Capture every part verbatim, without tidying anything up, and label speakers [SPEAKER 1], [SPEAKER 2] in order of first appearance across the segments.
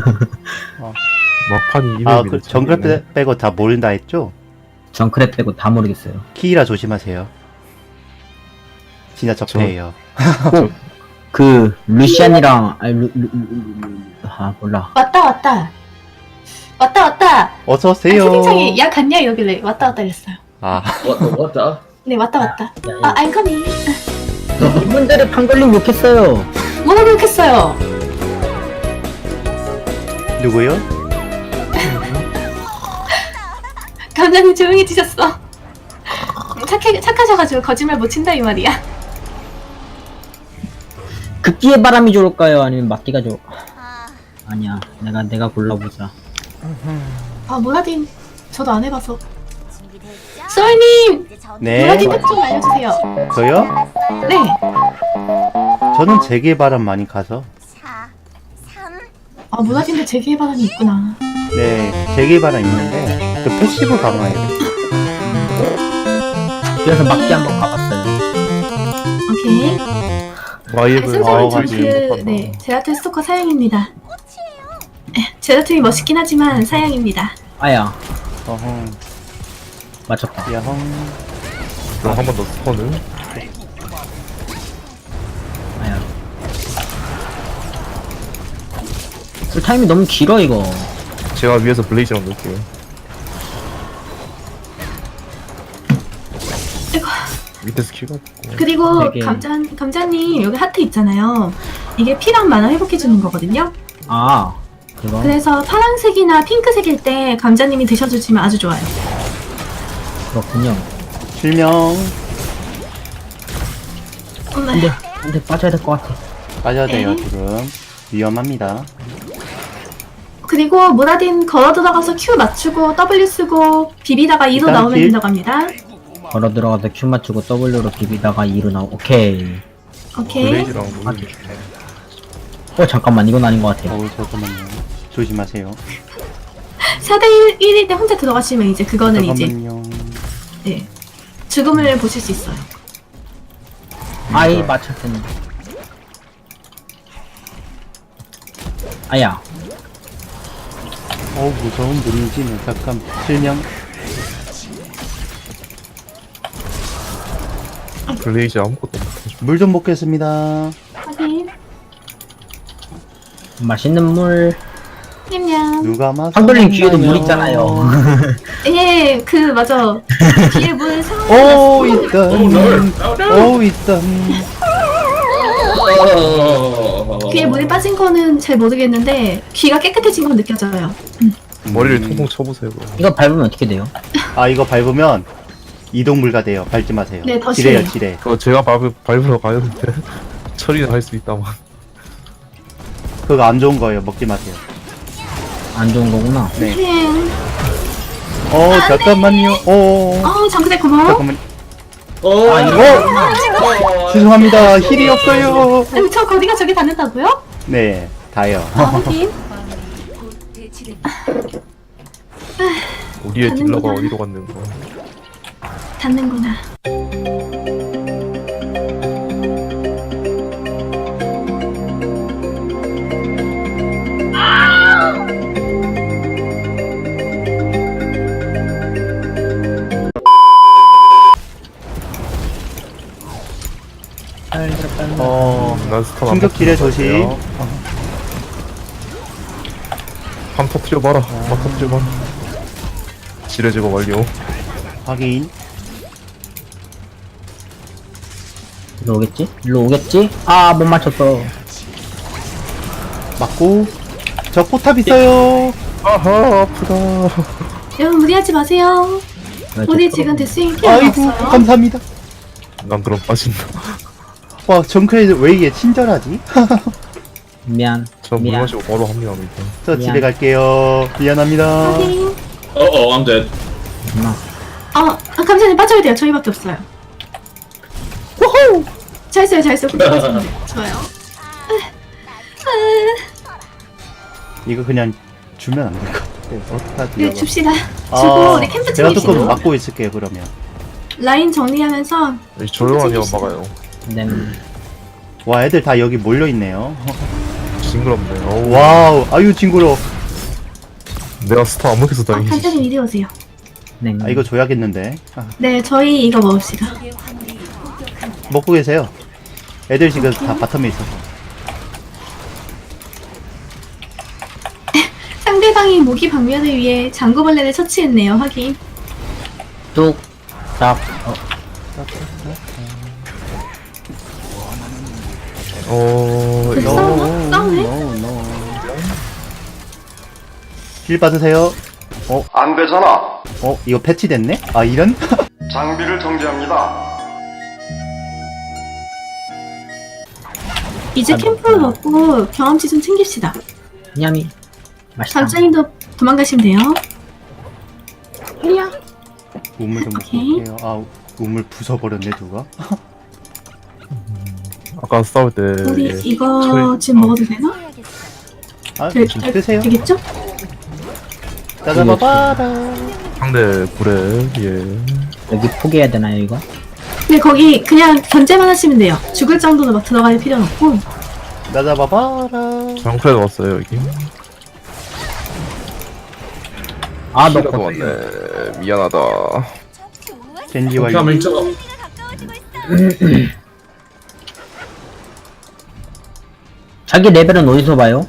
[SPEAKER 1] 어.
[SPEAKER 2] 막판이
[SPEAKER 3] 아,
[SPEAKER 2] 이름이
[SPEAKER 3] 그 정글 빼, 빼고 다 모른다 했죠?
[SPEAKER 1] 정크랩 빼고 다 모르겠어요.
[SPEAKER 3] 키이라 조심하세요. 진짜 적폐예요.
[SPEAKER 1] 그 루시안이랑 아니 루, 루, 루, 루, 루, 아 몰라.
[SPEAKER 4] 왔다 왔다 왔다 왔다.
[SPEAKER 3] 어서
[SPEAKER 4] 아,
[SPEAKER 3] 오세요.
[SPEAKER 4] 채팅창에 야 갔냐 이러길래 왔다 왔다 이랬어요.
[SPEAKER 3] 아,
[SPEAKER 5] 왔다 왔다.
[SPEAKER 4] 네 왔다 왔다. 아 I'm coming.
[SPEAKER 1] 이분들의 판걸림 욕했어요.
[SPEAKER 4] 뭐라고 욕했어요?
[SPEAKER 3] 누구요?
[SPEAKER 4] 감독님 조용히 드셨어. 착해 착하셔가지고 거짓말 못 친다 이 말이야.
[SPEAKER 1] 극기의 바람이 좋을까요? 아니면 막기가 좋을까? 아니야, 내가 내가 골라보자.
[SPEAKER 4] 아 몰라딘 저도 안 해봐서. 소울님
[SPEAKER 3] 네.
[SPEAKER 4] 몰라딘 팁 좀 알려주세요.
[SPEAKER 3] 저요?
[SPEAKER 4] 네.
[SPEAKER 3] 저는 재개바람 많이 가서.
[SPEAKER 4] 아 몰라딘도 재기의 바람이 있구나.
[SPEAKER 3] 네, 재개바람 있는데, 그 패시브 강화예요.
[SPEAKER 1] 그래서 막기 한번 가봤어요.
[SPEAKER 4] 오케이.
[SPEAKER 2] 와이브
[SPEAKER 4] 승자는
[SPEAKER 3] 아워가지고
[SPEAKER 4] 저그 네 제라툴 스토커 사양입니다. 에, 제라툴이 멋있긴 하지만 사양입니다.
[SPEAKER 1] 아야,
[SPEAKER 3] 어흥,
[SPEAKER 1] 맞췄다.
[SPEAKER 3] 야흥.
[SPEAKER 2] 그럼 한 번 더 스턴을.
[SPEAKER 1] 아야. 그 타임이 너무 길어 이거.
[SPEAKER 2] 제가 위에서 블레이즈랑 넣을게요.
[SPEAKER 4] 아이고.
[SPEAKER 2] 밑에 스킬가 없고.
[SPEAKER 4] 그리고
[SPEAKER 1] 되게-
[SPEAKER 4] 감자 감자님 여기 하트 있잖아요. 이게 피랑 만화 회복해주는 거거든요.
[SPEAKER 1] 아, 그거.
[SPEAKER 4] 그래서 파란색이나 핑크색일 때 감자님이 드셔주시면 아주 좋아요.
[SPEAKER 1] 그렇군요.
[SPEAKER 3] 실명.
[SPEAKER 4] 엄마.
[SPEAKER 1] 근데 근데 빠져야 될 것 같아.
[SPEAKER 3] 빠져야 돼요,
[SPEAKER 4] 네.
[SPEAKER 3] 지금. 위험합니다.
[SPEAKER 4] 그리고 모라딘 걸어 들어가서 Q 맞추고 W 쓰고 비비다가 이로
[SPEAKER 3] 일단
[SPEAKER 4] 나오면
[SPEAKER 3] 길.
[SPEAKER 4] 된다고 합니다.
[SPEAKER 1] 걸어 들어가서 Q 맞추고 W로 비비다가 이로 나오. 오케이.
[SPEAKER 4] 오케이.
[SPEAKER 2] 블레이즈랑 넣을
[SPEAKER 1] 어 잠깐만 이건 아닌 것 같아.
[SPEAKER 3] 어우, 잠깐만요. 조심하세요.
[SPEAKER 4] 사 대 일일 때 혼자 들어가시면 이제 그거는 이제
[SPEAKER 3] 잠깐만요.
[SPEAKER 4] 네, 죽음을 보실 수 있어요.
[SPEAKER 1] 아이 맞췄더니. 아야.
[SPEAKER 3] 어우, 무서운 문지네. 잠깐, 실명.
[SPEAKER 2] 블레이즈 아무것도 못해.
[SPEAKER 3] 물 좀 먹겠습니다.
[SPEAKER 4] 확인.
[SPEAKER 1] 맛있는 물.
[SPEAKER 4] 냠냠.
[SPEAKER 3] 누가 막.
[SPEAKER 1] 한돌림 귀에도 물 있잖아요.
[SPEAKER 4] 예, 그 맞아. 뒤에 물 상황이
[SPEAKER 3] 오,
[SPEAKER 4] 났어.
[SPEAKER 3] 있던. 오, 있던.
[SPEAKER 4] 귀에 물이 빠진 거는 잘 모르겠는데 귀가 깨끗해진 건 느껴져요.
[SPEAKER 2] 머리를
[SPEAKER 3] 음.
[SPEAKER 2] 통통 쳐보세요. 그럼.
[SPEAKER 1] 이거 밟으면 어떻게 돼요?
[SPEAKER 3] 아, 이거 밟으면 이동 불가돼요. 밟지 마세요.
[SPEAKER 4] 네, 더
[SPEAKER 3] 지뢰요,
[SPEAKER 4] 심해요.
[SPEAKER 3] 지뢰.
[SPEAKER 2] 그거 제가 밟으, 밟으러 가는데 처리는 할 수 있다만.
[SPEAKER 3] 그거 안 좋은 거예요. 먹지 마세요.
[SPEAKER 1] 안 좋은 거구나.
[SPEAKER 3] 네.
[SPEAKER 4] 행.
[SPEAKER 3] 어, 잠깐만요. 어,
[SPEAKER 4] 어, 장그대 고마워.
[SPEAKER 3] 잠깐만.
[SPEAKER 5] 어.
[SPEAKER 1] 아 이거
[SPEAKER 3] 죄송합니다. 힐이 없어요.
[SPEAKER 4] 아니, 저 거리가 저기 닿는다고요?
[SPEAKER 3] 네, 다요.
[SPEAKER 4] 아, 확인.
[SPEAKER 2] 우리의
[SPEAKER 4] 가는
[SPEAKER 2] 딜러가
[SPEAKER 4] 거다.
[SPEAKER 2] 어디로 갔는 거.
[SPEAKER 4] 닿는구나.
[SPEAKER 3] 어,
[SPEAKER 2] 난 스턴 안
[SPEAKER 3] 충격 지뢰
[SPEAKER 2] 먹고
[SPEAKER 3] 조심.
[SPEAKER 2] 있어요. 한 터트려봐라. 한 터트려봐라. 지뢰 제거 완료.
[SPEAKER 3] 확인.
[SPEAKER 1] 일로 오겠지? 일로 오겠지? 아 못 맞췄어.
[SPEAKER 3] 맞고. 저 포탑 있어요.
[SPEAKER 2] 아하 아프다.
[SPEAKER 4] 여러분 무리하지 마세요.
[SPEAKER 1] 왜
[SPEAKER 4] 우리
[SPEAKER 1] 저-
[SPEAKER 4] 지금 데스윙 피가
[SPEAKER 3] 아이고,
[SPEAKER 4] 없어요.
[SPEAKER 3] 감사합니다.
[SPEAKER 2] 난 그럼 빠진다.
[SPEAKER 3] 와, 정크레이드 왜 이게 친절하지?
[SPEAKER 1] 미안.
[SPEAKER 2] 전 물
[SPEAKER 1] 미안.
[SPEAKER 2] 마시고 바로 합류합니다.
[SPEAKER 3] 저
[SPEAKER 1] 미안.
[SPEAKER 3] 집에 갈게요. 미안합니다.
[SPEAKER 4] 확인.
[SPEAKER 5] 어어 I'm dead.
[SPEAKER 1] 엄마.
[SPEAKER 4] 어, 아, 감사님 빠져야 돼요. 저희밖에 없어요. 호호! 잘 써요, 잘 써요. 그렇게 빠지면 돼요. 좋아요.
[SPEAKER 3] 이거 그냥 주면 안 될 것 같아요. 어떡하지?
[SPEAKER 4] 네,
[SPEAKER 3] 이거.
[SPEAKER 4] 줍시다. 주고
[SPEAKER 3] 아,
[SPEAKER 4] 우리 캠프
[SPEAKER 3] 제가
[SPEAKER 4] 챙깁시다.
[SPEAKER 3] 조금 막고 있을게요, 그러면.
[SPEAKER 4] 라인 정리하면서
[SPEAKER 2] 조용하게
[SPEAKER 4] 챙깁시다.
[SPEAKER 2] 막아요.
[SPEAKER 1] 네.
[SPEAKER 3] 와, 애들 다 여기 몰려있네요.
[SPEAKER 2] 징그럽네. 어우,
[SPEAKER 3] 와우, 아유 징그러.
[SPEAKER 2] 내가 스타 안 먹혀서
[SPEAKER 4] 아,
[SPEAKER 2] 다행이지.
[SPEAKER 4] 간장님 이리 오세요.
[SPEAKER 1] 네.
[SPEAKER 3] 아 이거 줘야겠는데. 아,
[SPEAKER 4] 네, 저희 이거 먹읍시다.
[SPEAKER 3] 먹고 계세요. 애들 지금 다 바텀에 있어서.
[SPEAKER 4] 상대방이 모기 방면을 위해 장구벌레를 처치했네요. 확인.
[SPEAKER 1] 뚝, 딱, 어,
[SPEAKER 2] 어,
[SPEAKER 4] 그
[SPEAKER 2] 이거
[SPEAKER 4] 싸우나? 싸우네?
[SPEAKER 3] no, no. 힐 받으세요. 어,
[SPEAKER 6] 안 되잖아.
[SPEAKER 3] 어, 이거 패치됐네? 아 이런?
[SPEAKER 6] 장비를 정지합니다.
[SPEAKER 4] 이제
[SPEAKER 1] 아,
[SPEAKER 4] 캠프를
[SPEAKER 1] 뭐,
[SPEAKER 4] 먹고 경험치 좀 챙깁시다.
[SPEAKER 1] 냠이. 맛있다.
[SPEAKER 4] 장장님도 도망가시면 돼요.
[SPEAKER 3] 우물 좀
[SPEAKER 4] 오케이.
[SPEAKER 3] 먹고 올게요. 아, 우물 부숴버렸네 누가?
[SPEAKER 2] 아까 싸울 때
[SPEAKER 4] 우리
[SPEAKER 2] 예.
[SPEAKER 4] 이거
[SPEAKER 2] 저희-
[SPEAKER 4] 지금 먹어도 되나?
[SPEAKER 3] 아,
[SPEAKER 4] 되,
[SPEAKER 3] 좀
[SPEAKER 4] 되,
[SPEAKER 3] 뜨세요.
[SPEAKER 4] 되겠죠?
[SPEAKER 3] 짜자바바라.
[SPEAKER 2] 상대 불에 예.
[SPEAKER 1] 여기 포기해야 되나요, 이거?
[SPEAKER 4] 근데 거기 그냥 견제만 하시면 돼요. 죽을 정도로 막 들어갈 필요는 없고.
[SPEAKER 3] 짜자바바라.
[SPEAKER 2] 장크레 왔어요 여기.
[SPEAKER 1] 아, 너
[SPEAKER 2] 키라도
[SPEAKER 1] 거.
[SPEAKER 2] 왔네. 미안하다.
[SPEAKER 3] 젠지 완료.
[SPEAKER 5] Coming to.
[SPEAKER 1] 자기 레벨은 어디서 봐요?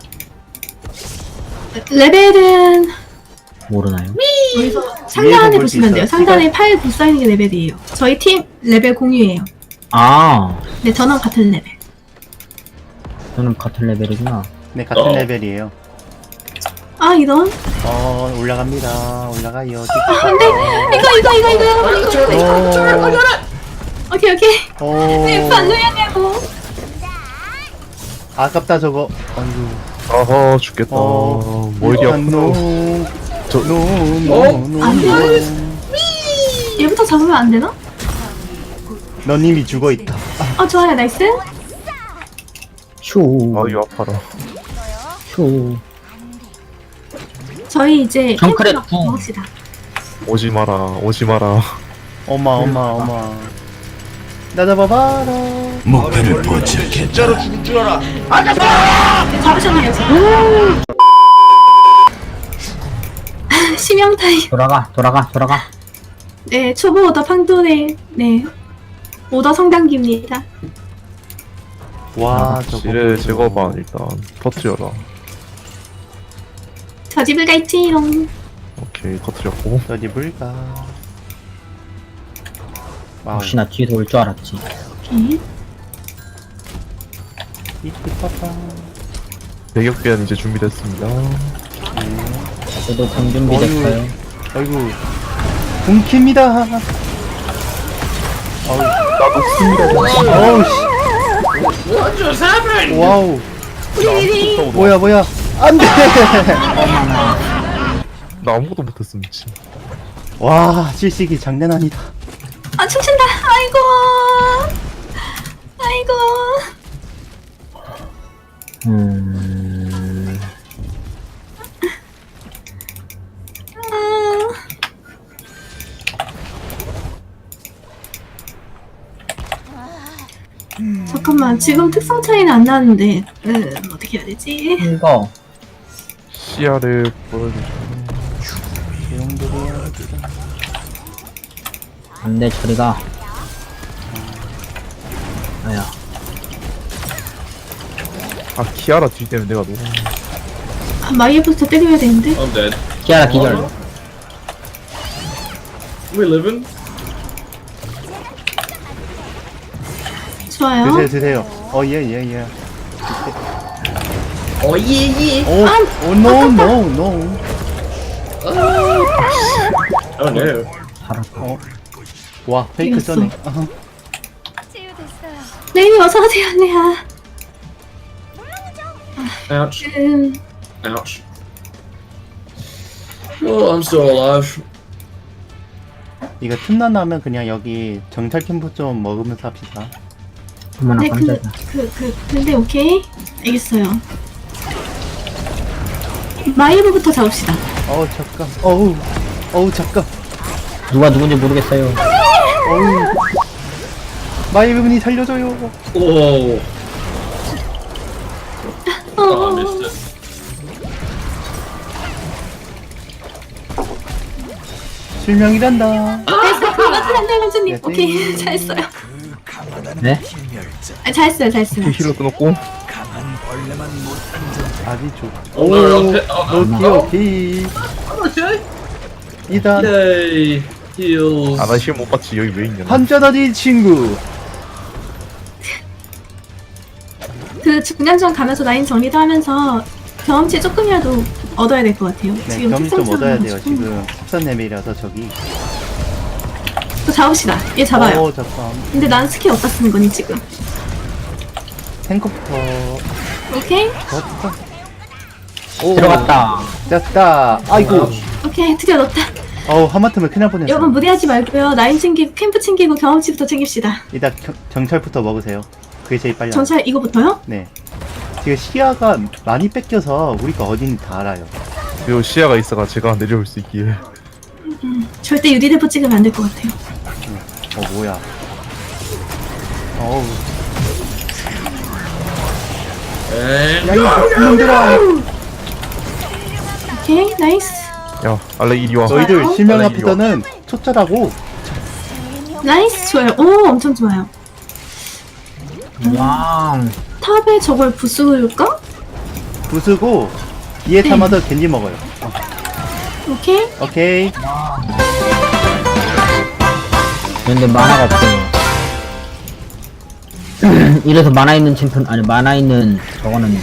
[SPEAKER 4] 레벨은
[SPEAKER 1] 모르나요?
[SPEAKER 4] 여기서
[SPEAKER 3] 위에서
[SPEAKER 4] 상단에
[SPEAKER 3] 볼수
[SPEAKER 4] 보시면 돼요.
[SPEAKER 3] 있어요.
[SPEAKER 4] 상단에 팔 붙어있는 게 레벨이에요. 저희 팀 레벨 공유예요.
[SPEAKER 1] 아,
[SPEAKER 4] 네, 저는 같은 레벨.
[SPEAKER 1] 저는 같은 레벨이구나.
[SPEAKER 3] 네, 같은
[SPEAKER 5] 어.
[SPEAKER 3] 레벨이에요.
[SPEAKER 4] 아, 이런.
[SPEAKER 3] 어, 올라갑니다. 올라가요.
[SPEAKER 4] 안돼. 이거 이거 이거 이거 이거 이거 이거.
[SPEAKER 3] 오,
[SPEAKER 4] 오케이 오케이.
[SPEAKER 3] 오,
[SPEAKER 4] 네, 반노야냐고.
[SPEAKER 3] 아깝다 저거. 아이고.
[SPEAKER 2] 아하 죽겠다.
[SPEAKER 3] 어,
[SPEAKER 2] 머리
[SPEAKER 3] 일단
[SPEAKER 2] 아프다.
[SPEAKER 3] 노,
[SPEAKER 2] 저-
[SPEAKER 3] 노,
[SPEAKER 5] 어?
[SPEAKER 3] 노, 노,
[SPEAKER 4] 안 돼.
[SPEAKER 3] 노.
[SPEAKER 4] 얘부터 잡으면 안 되나?
[SPEAKER 3] 넌 이미 죽어 있다.
[SPEAKER 4] 아, 좋아요. 나이스.
[SPEAKER 1] 휴,
[SPEAKER 2] 아 이거 아파라.
[SPEAKER 1] 휴.
[SPEAKER 4] 저희 이제
[SPEAKER 1] 정크렛
[SPEAKER 4] 캠프
[SPEAKER 1] 궁.
[SPEAKER 4] 먹읍시다.
[SPEAKER 2] 오지 마라. 오지 마라.
[SPEAKER 3] 어마, 어마, 어마. 나자바바라.
[SPEAKER 4] 잡으셨네요, 지금. 심형 타임.
[SPEAKER 1] 돌아가, 돌아가, 돌아가.
[SPEAKER 4] 네, 초보 오더 판돈의 네 오더 성단기입니다.
[SPEAKER 3] 와, 저거.
[SPEAKER 2] 지뢰 제거반 일단 터트려라.
[SPEAKER 4] 저 집을 갈지롱.
[SPEAKER 2] 오케이 터트렸고.
[SPEAKER 3] 어디 볼까? 와우.
[SPEAKER 1] 혹시 나 뒤에서 올 줄 알았지.
[SPEAKER 4] 오케이.
[SPEAKER 3] 이쁘다.
[SPEAKER 2] 대격변 이제 준비됐습니다.
[SPEAKER 1] 저도 공 준비됐어요.
[SPEAKER 3] 아이고. 굶깁니다. 아우.
[SPEAKER 2] 나도 씁니다.
[SPEAKER 3] 어우, 씨.
[SPEAKER 5] What just happened?
[SPEAKER 3] 와우.
[SPEAKER 4] 우리리리.
[SPEAKER 3] 뭐야, 뭐야. 안 돼!
[SPEAKER 2] 나 아무것도 못했음 미친.
[SPEAKER 3] 와, 실식이 장난 아니다.
[SPEAKER 4] 아, 춤춘다. 아이고. 아이고.
[SPEAKER 1] 음,
[SPEAKER 4] 아. 잠깐만, 지금 특성 차이는 안 나는데, 음, 어떻게 해야 되지?
[SPEAKER 1] 이거.
[SPEAKER 2] 씨알을 보여주죠.
[SPEAKER 3] 내용들이야.
[SPEAKER 1] 안 돼, 저리가. 아야.
[SPEAKER 2] 아 키아라 뒤 때문에 내가 너무.
[SPEAKER 4] 아, 마이애부터 때려야 되는데?
[SPEAKER 5] I'm dead.
[SPEAKER 1] 키아라 기절.
[SPEAKER 5] We living?
[SPEAKER 4] 좋아요.
[SPEAKER 3] 드세요, 드세요. 어, 예, 예, 예.
[SPEAKER 5] Oh yeah yeah.
[SPEAKER 3] 오, 오, 노, 노, 노.
[SPEAKER 5] Oh no.
[SPEAKER 1] 살았다.
[SPEAKER 3] 어. 와, 페이크
[SPEAKER 4] 이겼어.
[SPEAKER 3] 써네. 아하.
[SPEAKER 4] 네이미 어서오세요, 네야.
[SPEAKER 5] Ouch.
[SPEAKER 4] 음,
[SPEAKER 5] Ouch. Oh, I'm still alive.
[SPEAKER 3] 이거 틈나 나면 그냥 여기 정찰 캠프 좀 먹으면서 합시다.
[SPEAKER 1] 어머나,
[SPEAKER 4] 네, 그,
[SPEAKER 1] 깜짝이야.
[SPEAKER 4] 그, 그, 근데 오케이. 알겠어요. 마이애부터 잡읍시다.
[SPEAKER 3] 어우, 잠깐. 어우, 어우, 잠깐.
[SPEAKER 1] 누가 누군지 모르겠어요.
[SPEAKER 3] 어우. 마이분이 살려줘요.
[SPEAKER 5] Oh.
[SPEAKER 4] 어,
[SPEAKER 5] Oh, I missed it.
[SPEAKER 3] 실명이란다.
[SPEAKER 4] 됐어. 그만하세요, 감자님.
[SPEAKER 3] 네,
[SPEAKER 4] 오케이,
[SPEAKER 3] 네.
[SPEAKER 4] 잘했어요.
[SPEAKER 1] 네?
[SPEAKER 4] 아, 잘했어요, 잘했어요.
[SPEAKER 2] 힐러 끊었고.
[SPEAKER 3] 아주 좋.
[SPEAKER 5] Oh no, okay. Oh,
[SPEAKER 3] 오케이
[SPEAKER 5] oh,
[SPEAKER 3] 오케이.
[SPEAKER 5] oh, okay.
[SPEAKER 3] 이단
[SPEAKER 5] Yay. Heals.
[SPEAKER 2] 아, 나 힐 못 봤지. 여기 왜 있냐.
[SPEAKER 3] 한자다리 친구.
[SPEAKER 4] 그 중간중 가면서 라인 정리도 하면서 경험치 조금이라도 얻어야 될 것 같아요.
[SPEAKER 3] 네,
[SPEAKER 4] 지금
[SPEAKER 3] 경험 좀
[SPEAKER 4] 특성상
[SPEAKER 3] 얻어야 돼요.
[SPEAKER 4] 가지고.
[SPEAKER 3] 지금 십삼 레벨이라서 저기.
[SPEAKER 4] 또 잡읍시다. 얘 잡아요.
[SPEAKER 3] 어, 잠깐.
[SPEAKER 4] 근데 난 스킬 어디다 쓰는 거니 지금?
[SPEAKER 3] 탱커부터.
[SPEAKER 4] 오케이?
[SPEAKER 3] 졌다. 오,
[SPEAKER 1] 들어갔다.
[SPEAKER 3] 됐다. 아이고.
[SPEAKER 4] 오케이, 드디어 넣었다.
[SPEAKER 3] 어우, 하마터면 큰일 날 뻔했어.
[SPEAKER 4] 여러분 무리하지 말고요. 라인 챙기고 캠프 챙기고 경험치부터 챙깁시다.
[SPEAKER 3] 일단 겨- 정찰부터 먹으세요. 그게 제일 빨리.
[SPEAKER 4] 전차 이거부터요?
[SPEAKER 3] 네. 지금 시야가 많이 뺏겨서 우리가 어딘지 다 알아요.
[SPEAKER 2] 그리고 시야가 있어가 제가 내려올 수 있기에.
[SPEAKER 4] 절대 유리대포 찍으면 안 될 것 같아요.
[SPEAKER 3] 어, 뭐야. 어우.
[SPEAKER 5] And
[SPEAKER 3] 야, 이거 놈들아.
[SPEAKER 4] 오케이, 나이스.
[SPEAKER 2] 야, 알레 이리 와.
[SPEAKER 3] 너희들
[SPEAKER 4] 어?
[SPEAKER 3] 실명
[SPEAKER 2] 빨리
[SPEAKER 3] 앞에서는 초짜라고.
[SPEAKER 4] 나이스, 좋아요. 오, 엄청 좋아요.
[SPEAKER 1] 왕.
[SPEAKER 4] 탑에 저걸 부수을까?
[SPEAKER 3] 부수고 뒤에
[SPEAKER 4] 네.
[SPEAKER 3] 참아서 겐지 먹어요. 어,
[SPEAKER 4] 오케이.
[SPEAKER 3] 오케이.
[SPEAKER 1] 근데 만화가 없어요. 이래서 만화 있는 챔피언, 아니, 만화 있는 저거는.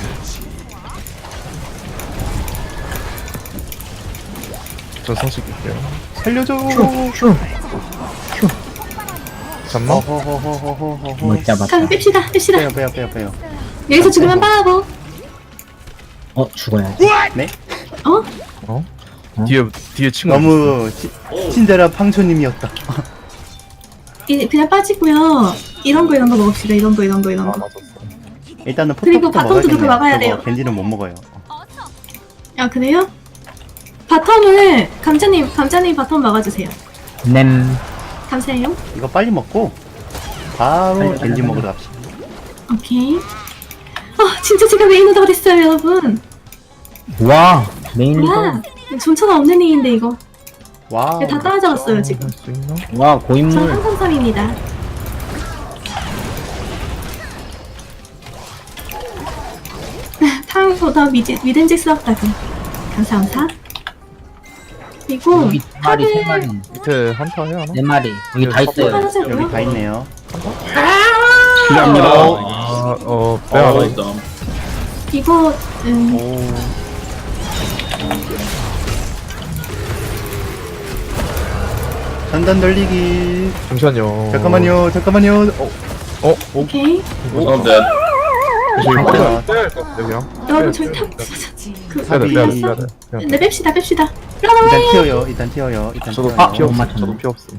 [SPEAKER 2] 저 성식 할게요.
[SPEAKER 3] 살려줘.
[SPEAKER 1] 휴, 휴.
[SPEAKER 2] 잠만.
[SPEAKER 3] 어허허허허허허.
[SPEAKER 1] 못 잡았다.
[SPEAKER 4] 그럼 뺍시다, 뺍시다.
[SPEAKER 3] 빼요, 빼요, 빼요, 빼요.
[SPEAKER 4] 여기서 죽으면 빠하고.
[SPEAKER 1] 어, 죽어야지.
[SPEAKER 3] 네?
[SPEAKER 4] 어?
[SPEAKER 2] 어? 뒤에 뒤에 친구.
[SPEAKER 3] 너무 치, 친절한 팡초님이었다.
[SPEAKER 4] 이, 그냥 빠지고요. 이런 거 이런 거 먹읍시다. 이런 거 이런 거 이런
[SPEAKER 2] 아,
[SPEAKER 4] 거.
[SPEAKER 2] 맞았어.
[SPEAKER 3] 일단은
[SPEAKER 4] 그리고
[SPEAKER 3] 포탑부터
[SPEAKER 4] 바텀도
[SPEAKER 3] 먹어야겠네요.
[SPEAKER 4] 그렇게 막아야
[SPEAKER 3] 저거
[SPEAKER 4] 돼요.
[SPEAKER 3] 겐지는 못 먹어요.
[SPEAKER 4] 아 그래요? 바텀을 감자님 감자님 바텀 막아주세요.
[SPEAKER 1] 냄.
[SPEAKER 4] 감사해요.
[SPEAKER 3] 이거 빨리 먹고 바로
[SPEAKER 1] 빨리,
[SPEAKER 3] 겐지
[SPEAKER 1] 빨리,
[SPEAKER 3] 먹으러 갑시다.
[SPEAKER 4] 오케이. 아 진짜 제가 메인 오더가 됐어요 여러분.
[SPEAKER 1] 와, 메인
[SPEAKER 4] 와
[SPEAKER 1] 리더.
[SPEAKER 4] 존차가 없는 일인데 이거.
[SPEAKER 3] 와우.
[SPEAKER 4] 다 따라잡았어요 지금.
[SPEAKER 2] 할수 있나?
[SPEAKER 1] 와,
[SPEAKER 4] 저
[SPEAKER 1] 고인물.
[SPEAKER 4] 한삼삼입니다. 타운보다 미지, 미든직스럽다고. 감사합니다. 그리고
[SPEAKER 1] 여기 두 마리, 세 마리.
[SPEAKER 2] 밑에 한타 해야 하나?
[SPEAKER 1] 네 마리. 여기 다 있어요.
[SPEAKER 4] 하나세요.
[SPEAKER 3] 여기 다 있네요.
[SPEAKER 1] 필요합니다.
[SPEAKER 2] 아, 어, 빼야
[SPEAKER 5] all
[SPEAKER 2] 하나?
[SPEAKER 5] dumb.
[SPEAKER 4] 이거 음,
[SPEAKER 3] 오. 전단 돌리기.
[SPEAKER 2] 잠시만요.
[SPEAKER 3] 잠깐만요, 잠깐만요. 어,
[SPEAKER 4] 오케이.
[SPEAKER 5] I'm dead.
[SPEAKER 2] 저기
[SPEAKER 3] 아,
[SPEAKER 2] 빼야 빼야 할것 같아 그냥.
[SPEAKER 4] 여러분 저희 탑. 그
[SPEAKER 2] 빼야 돼, 빼야 돼,
[SPEAKER 3] 사비.
[SPEAKER 2] 빼야 돼. 그냥.
[SPEAKER 4] 네 뺍시다 뺍시다.
[SPEAKER 3] 일단 튀어요. 일단 튀어요. 일단
[SPEAKER 2] 저도
[SPEAKER 3] 튀어요.
[SPEAKER 2] 피
[SPEAKER 1] 못
[SPEAKER 2] 없음.
[SPEAKER 1] 맞췄네.
[SPEAKER 2] 저도 피 없음.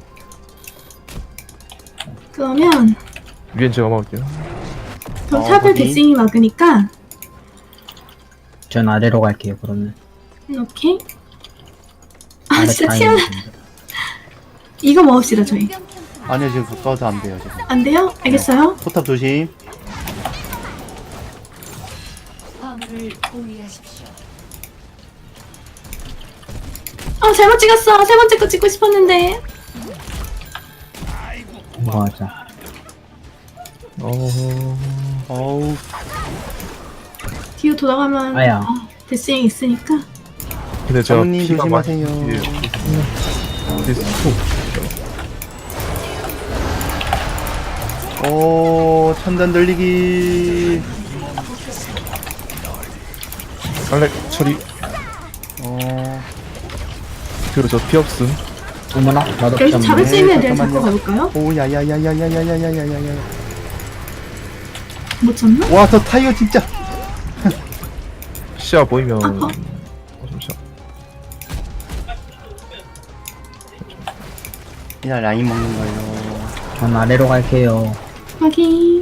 [SPEAKER 4] 그러면
[SPEAKER 2] 위엔 제가 막을게요.
[SPEAKER 4] 그럼
[SPEAKER 3] 어,
[SPEAKER 4] 탑을
[SPEAKER 3] 거기?
[SPEAKER 4] 데싱이 막으니까
[SPEAKER 1] 전 아래로 갈게요, 그러면.
[SPEAKER 4] 오케이. 아
[SPEAKER 1] 아래
[SPEAKER 4] 진짜
[SPEAKER 1] 다
[SPEAKER 4] 티아
[SPEAKER 1] 있는데.
[SPEAKER 4] 이거 먹읍시다 저희.
[SPEAKER 3] 아니요, 지금 가까워서 안 돼요, 지금.
[SPEAKER 4] 안 돼요? 알겠어요?
[SPEAKER 3] 포탑 조심.
[SPEAKER 4] 아 잘못 찍었어. 세 번째 거 찍고 싶었는데.
[SPEAKER 1] 이거 하자.
[SPEAKER 2] 어,
[SPEAKER 3] 어우,
[SPEAKER 4] 뒤로 돌아가면
[SPEAKER 1] 아야.
[SPEAKER 4] 어, 데싱이 있으니까.
[SPEAKER 2] 근데 제가
[SPEAKER 3] 사모님
[SPEAKER 2] 피가 많이
[SPEAKER 3] 조심하세요.
[SPEAKER 2] 뒤에 뒤에서 툭.
[SPEAKER 3] 오, 천단 돌리기.
[SPEAKER 2] 알렉 처리.
[SPEAKER 3] 어,
[SPEAKER 2] 그리고 저 피 없음.
[SPEAKER 1] 어머나, 나도
[SPEAKER 4] 여기서 잡을 수
[SPEAKER 3] 네,
[SPEAKER 4] 있는 애들 잡고
[SPEAKER 3] 잠깐만요.
[SPEAKER 4] 가볼까요?
[SPEAKER 3] 오, 야야야야야야야야야야야.
[SPEAKER 4] 못 잡나?
[SPEAKER 3] 와, 저 타이어 진짜.
[SPEAKER 2] 시야 보이면.
[SPEAKER 4] 아파.
[SPEAKER 2] 어, 잠시만.
[SPEAKER 3] 그냥 라인 먹는 거예요.
[SPEAKER 1] 전 아래로 갈게요.
[SPEAKER 4] 확인.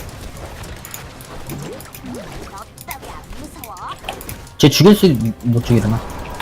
[SPEAKER 1] 쟤 죽일 수, 못 죽이려나?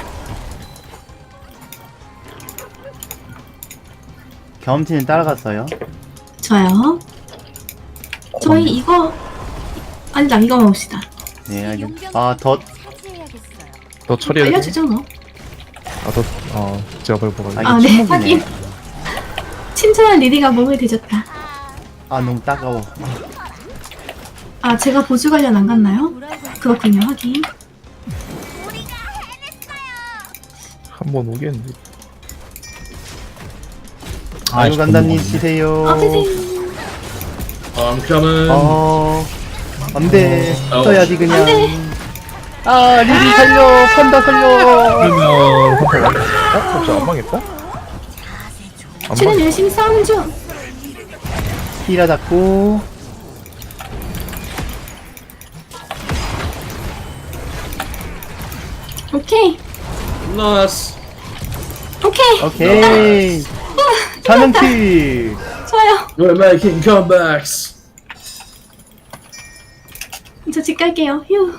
[SPEAKER 3] 경험치는 따라갔어요.
[SPEAKER 4] 좋아요. 저희 이거 아니다 이거 먹읍시다.
[SPEAKER 3] 네, 알겠. 아, 더
[SPEAKER 2] 너 처리해.
[SPEAKER 4] 알려주죠 뭐.
[SPEAKER 2] 아, 더, 아, 제가 밟아가지고.
[SPEAKER 3] 아, 이거
[SPEAKER 4] 아, 네,
[SPEAKER 3] 침묵이네.
[SPEAKER 4] 하긴. 친절한 리리가 몸을 뒤졌다.
[SPEAKER 3] 아, 너무 따가워.
[SPEAKER 4] 아, 제가 보조 관련 안 갔나요? 그렇군요, 하긴.
[SPEAKER 2] 한번 오겠는데.
[SPEAKER 3] 아유,
[SPEAKER 1] 씨,
[SPEAKER 3] 간다님
[SPEAKER 1] 너무
[SPEAKER 3] 치세요.
[SPEAKER 4] 아, 선생님.
[SPEAKER 5] I'm coming.
[SPEAKER 3] 어, 안 돼.
[SPEAKER 5] 어.
[SPEAKER 3] 써야지, 그냥.
[SPEAKER 4] 안 돼.
[SPEAKER 3] 아, 리리 살려. 판다 살려.
[SPEAKER 2] 그러면, 한번 왔 어? 혹시 안 망했다? 안
[SPEAKER 4] 쟤는
[SPEAKER 2] 망
[SPEAKER 4] 열심히 싸우는 중.
[SPEAKER 3] 히라 잡고.
[SPEAKER 4] 오케이.
[SPEAKER 5] Nice.
[SPEAKER 4] 오케이.
[SPEAKER 3] 오케이. 사명킬.
[SPEAKER 4] 좋아요.
[SPEAKER 5] We're making comebacks.
[SPEAKER 4] 저 집 갈게요. 휴.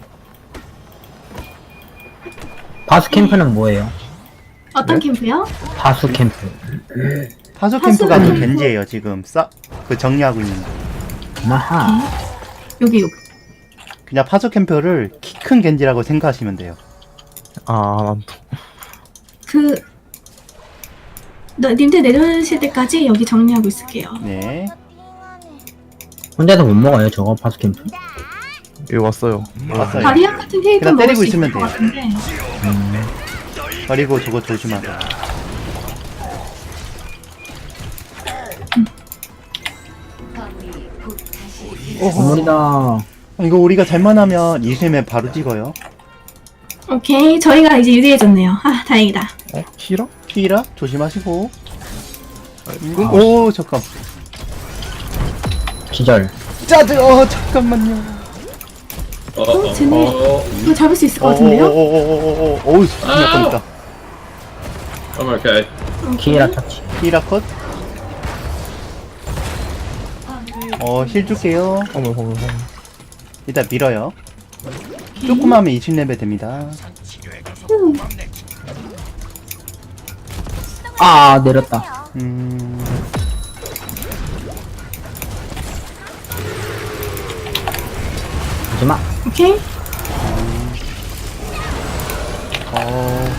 [SPEAKER 1] 바수 캠프는 뭐예요?
[SPEAKER 4] 어떤
[SPEAKER 3] 네?
[SPEAKER 4] 캠프요?
[SPEAKER 1] 바수 캠프.
[SPEAKER 3] 파조 캠프가
[SPEAKER 4] 파수.
[SPEAKER 3] 그 겐지예요, 지금. 싸, 그 정리하고 있는 거.
[SPEAKER 1] 아하.
[SPEAKER 4] 여기, 여기.
[SPEAKER 3] 그냥 파조 캠프를 키 큰 겐지라고 생각하시면 돼요.
[SPEAKER 2] 아, 난 또.
[SPEAKER 4] 그, 너, 님들 내려오실 때까지 여기 정리하고 있을게요.
[SPEAKER 3] 네.
[SPEAKER 1] 혼자서 못 먹어요 저거 바수 캠프?
[SPEAKER 2] 여기 왔어요.
[SPEAKER 3] 왔어요.
[SPEAKER 4] 바리안 같은 케이크
[SPEAKER 3] 그냥
[SPEAKER 4] 먹을
[SPEAKER 3] 때리고
[SPEAKER 4] 수 있을
[SPEAKER 3] 있으면
[SPEAKER 4] 것
[SPEAKER 3] 돼요.
[SPEAKER 4] 같은데.
[SPEAKER 3] 그리고 저거 조심하세요.
[SPEAKER 1] 건물이다.
[SPEAKER 3] 이거 우리가 잘만 하면 이심에 바로 찍어요.
[SPEAKER 4] 오케이. 저희가 이제 유리해졌네요. 아, 다행이다.
[SPEAKER 2] 어? 히라?
[SPEAKER 3] 히라 조심하시고. 이거 오 잠깐.
[SPEAKER 1] 기절.
[SPEAKER 3] 짜증. 어 잠깐만요.
[SPEAKER 5] 어,
[SPEAKER 4] 어, 쟤네.
[SPEAKER 5] 어.
[SPEAKER 4] 이거 잡을 수 있을 것 같은데요?
[SPEAKER 3] 오오오오오오. 어우 큰일 날 뻔했다.
[SPEAKER 5] I'm okay.
[SPEAKER 1] 키라 터치.
[SPEAKER 3] 히라 컷. 어 힐 줄게요.
[SPEAKER 2] 어머, 어머, 어머.
[SPEAKER 3] 일단 밀어요. 조금 하면 이십 레벨 됩니다.
[SPEAKER 4] 음.
[SPEAKER 1] 아 내렸다.
[SPEAKER 3] 음.
[SPEAKER 1] 하지마.
[SPEAKER 4] 오케이.
[SPEAKER 3] 어.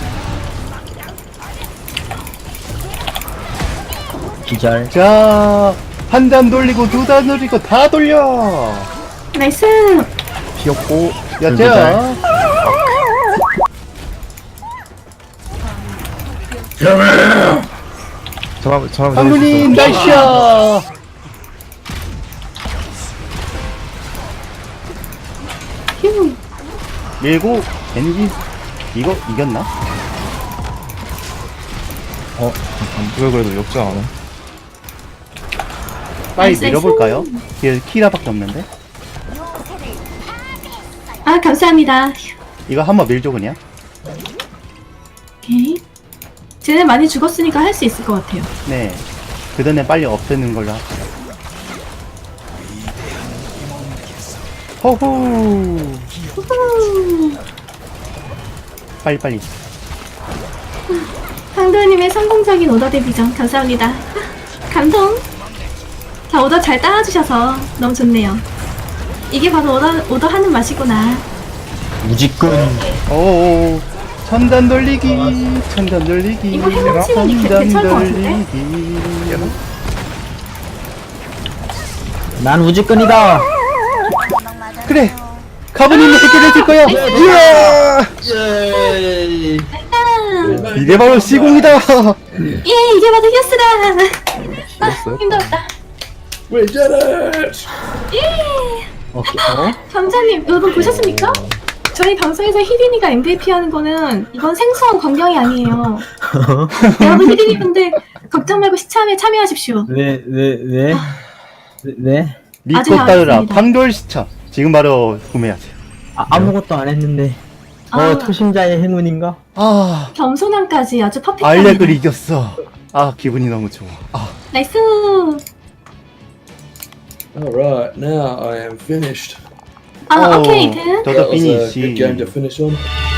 [SPEAKER 1] 기절.
[SPEAKER 3] 자, 한 단 돌리고 두 단 돌리고 다 돌려.
[SPEAKER 4] 나이스.
[SPEAKER 2] 피었고.
[SPEAKER 3] 야, 자.
[SPEAKER 2] 잘하면, 잘하면
[SPEAKER 3] 황군님 나이스.
[SPEAKER 4] 휴.
[SPEAKER 3] 밀고 겐지 이거 이겼나?
[SPEAKER 1] 어
[SPEAKER 2] 이거 그래도 역전 안 해.
[SPEAKER 3] 빨리
[SPEAKER 4] 나이스,
[SPEAKER 3] 밀어볼까요? 뒤에 키라밖에 없는데.
[SPEAKER 4] 아, 감사합니다. 휴.
[SPEAKER 3] 이거 한번 밀죠 그냥.
[SPEAKER 4] 오케이. 쟤네 많이 죽었으니까 할 수 있을 것 같아요.
[SPEAKER 3] 네. 그 전에 빨리 없애는 걸로 합시다. 호호.
[SPEAKER 4] 후후.
[SPEAKER 3] 빨리 빨리.
[SPEAKER 4] 황도현님의 성공적인 오더 데뷔전 감사합니다. 감동. 자, 오더 잘 따라주셔서 너무 좋네요. 이게 바로 오더, 오더 하는 맛이구나.
[SPEAKER 1] 무지끈.
[SPEAKER 3] 오. 천단 돌리기. 천단 돌리기.
[SPEAKER 4] 이거 해먹치면 이 개-
[SPEAKER 3] 천단
[SPEAKER 4] 괜찮을 것 같은데?
[SPEAKER 3] 돌리기.
[SPEAKER 1] 난 우지끈이다.
[SPEAKER 3] 그래. 가부님이 해결해줄 거야. 이야.
[SPEAKER 5] Yay!
[SPEAKER 4] 아,
[SPEAKER 3] 이게 바로 시공이다.
[SPEAKER 4] 예, 이게 바로 히어스다. 아,
[SPEAKER 2] 죽었어요?
[SPEAKER 4] 힘들었다.
[SPEAKER 5] We did it!
[SPEAKER 4] 예.
[SPEAKER 1] 오케이. 어?
[SPEAKER 4] 감자님, 여러분 보셨습니까? 저희 방송에서 히디니가 엠브이피 하는 거는 이건 생소한 광경이 아니에요. 여러분 히디니 분들 걱정 말고 시참에 참여하십시오.
[SPEAKER 1] 왜 왜 왜? 왜? 왜?
[SPEAKER 3] 믿고
[SPEAKER 4] 아주
[SPEAKER 3] 따르라.
[SPEAKER 4] 나왔습니다.
[SPEAKER 3] 판돌 시청. 지금 바로 구매하세요.
[SPEAKER 1] 아, 아무것도 안 했는데. 어
[SPEAKER 4] 아.
[SPEAKER 1] 초심자의 행운인가?
[SPEAKER 3] 아,
[SPEAKER 4] 겸손함까지 아주 퍼펙트합니다.
[SPEAKER 3] 알렉을 이겼어. 아, 기분이 너무 좋아. 아,
[SPEAKER 4] 나이스.
[SPEAKER 5] Alright, now I am finished.
[SPEAKER 4] 아,
[SPEAKER 3] 오,
[SPEAKER 4] 오케이, 든.
[SPEAKER 3] 저도
[SPEAKER 5] That was a
[SPEAKER 3] 피니시.
[SPEAKER 5] good game to finish on.